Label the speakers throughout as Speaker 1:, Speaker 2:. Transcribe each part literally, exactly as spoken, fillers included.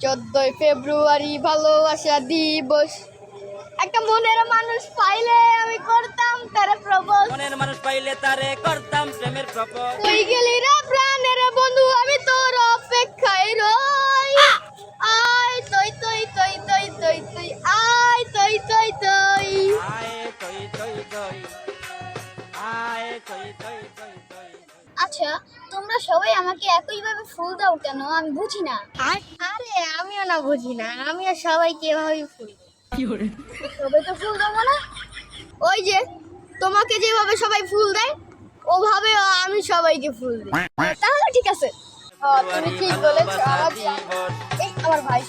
Speaker 1: চোদ্দই ফেব্রুয়ারি ভালোবাসা দিবস। একটা মনের মানুষ পাইলে আমি করতাম তারে প্রপোজ।
Speaker 2: মনের মানুষ পাইলে তারে করতাম প্রেমের প্রপোজ।
Speaker 1: কই গেলি রে প্রাণের বন্ধু, আমি তোর অপেক্ষায় রই। আয় তই তই তই তই তই তই আয় তই তই তই
Speaker 2: আয় তই তই তই আয় তই তই তই তই।
Speaker 3: আচ্ছা, তোমরা সবাই আমাকে একইভাবে ফুল দাও কেন? আমি বুঝি না।
Speaker 1: আরে আমিও না বুঝি না, আমিও সবাইকে এভাবেই ফুল দিই।
Speaker 3: সবাই তো ফুল দেবো না।
Speaker 1: ওই যে তোমাকে যেভাবে সবাই ফুল দেয় ওভাবে আমি সবাইকে ফুল দিই।
Speaker 3: তাহলে ঠিক আছে।
Speaker 1: হ্যাঁ, তুমি ঠিক বলেছো। আমার
Speaker 2: দিবস।
Speaker 1: এই আমার ভাই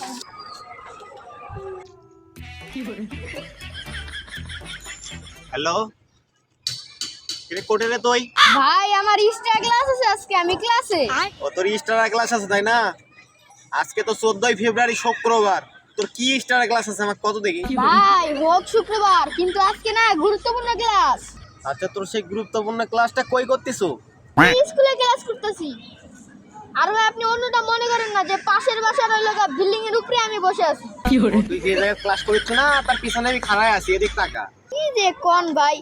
Speaker 4: হ্যালো, কিরে কোটে রে তুই?
Speaker 1: ভাই আমার এক্সট্রা ক্লাস আছে আজকে, আমি ক্লাসে।
Speaker 4: ও তোর স্টার ক্লাস আছে তাই না? আজকে তো চোদ্দই ফেব্রুয়ারি শুক্রবার, তোর কি স্টার ক্লাস আছে আমাকে কত দেখি?
Speaker 1: ভাই হোক শুক্রবার, কিন্তু আজকে না গুরুত্বপূর্ণ ক্লাস।
Speaker 4: আচ্ছা, তোর সেই গুরুত্বপূর্ণ ক্লাসটা কই করতেছো?
Speaker 1: স্কুলে ক্লাস করতেছি। আর ভাই আপনি অন্যটা মনে করেন না যে পাশের বাসার ওই লোক বিল্ডিং এর উপরে আমি বসে আছি।
Speaker 4: তুই যে জায়গায় ক্লাস করিস না তার পিছনে আমি খাড়ায় আছি, এদিক টাকা।
Speaker 1: কি যে কোন ভাই,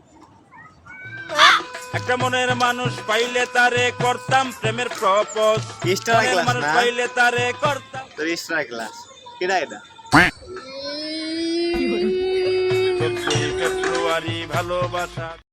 Speaker 2: একটা মনের মানুষ পাইলে তারে করতাম প্রেমের প্রপোজ।
Speaker 4: স্টার
Speaker 2: মনের
Speaker 4: ক্লাস
Speaker 2: মানুষ
Speaker 4: না?
Speaker 2: পাইলে তারে করতাম।
Speaker 4: তোর স্টার ক্লাস কেডা এটা?
Speaker 2: চোদ্দই ফেব্রুয়ারি ভালোবাসা